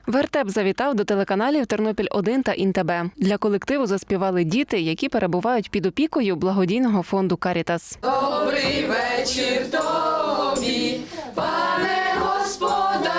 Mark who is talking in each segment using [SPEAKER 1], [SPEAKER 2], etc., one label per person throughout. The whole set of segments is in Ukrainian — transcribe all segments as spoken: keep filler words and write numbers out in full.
[SPEAKER 1] Вертеп завітав до телеканалів Тернопіль один та ІНТБ. Для колективу заспівали діти, які перебувають під опікою благодійного фонду «Карітас».
[SPEAKER 2] Добрий вечір тобі, пане господарю,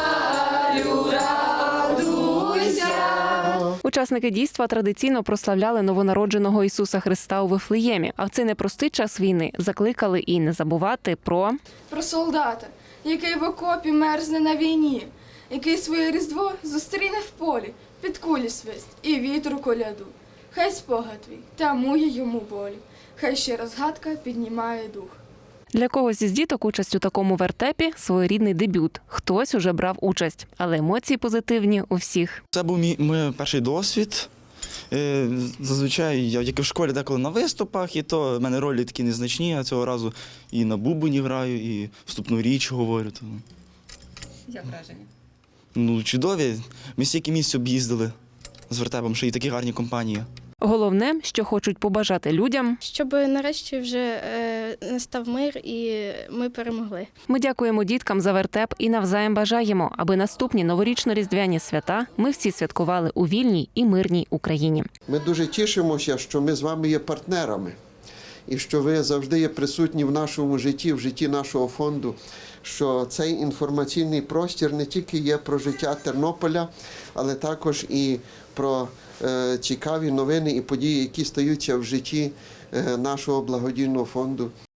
[SPEAKER 2] радуйся.
[SPEAKER 1] Учасники дійства традиційно прославляли новонародженого Ісуса Христа у Вифлеємі, а в цей непростий час війни закликали і не забувати про...
[SPEAKER 3] Про солдата, який в окопі мерзне на війні, який своє різдво зустріне в полі, під кулі свист і вітру коляду. Хай спогад твій тамує йому болі, хай ще розгадка піднімає дух.
[SPEAKER 1] Для когось із діток участь у такому вертепі – своєрідний дебют. Хтось уже брав участь, але емоції позитивні у всіх.
[SPEAKER 4] Це був мій, мій перший досвід. Е, Зазвичай я як і в школі деколи на виступах, і то в мене ролі такі незначні, а цього разу і на бубені граю, і вступну річ говорю. Тому.
[SPEAKER 2] Як враження?
[SPEAKER 4] Ну, чудові. Ми стільки місць об'їздили з вертепом, що і такі гарні компанії.
[SPEAKER 1] Головне, що хочуть побажати людям.
[SPEAKER 5] Щоб нарешті вже е, настав мир і ми перемогли.
[SPEAKER 1] Ми дякуємо діткам за вертеп і навзаєм бажаємо, аби наступні новорічно-різдвяні свята ми всі святкували у вільній і мирній Україні.
[SPEAKER 6] Ми дуже тішимося, що ми з вами є партнерами і що ви завжди є присутні в нашому житті, в житті нашого фонду, що цей інформаційний простір не тільки є про життя Тернополя, але також і про е, цікаві новини і події, які стаються в житті е, нашого благодійного фонду.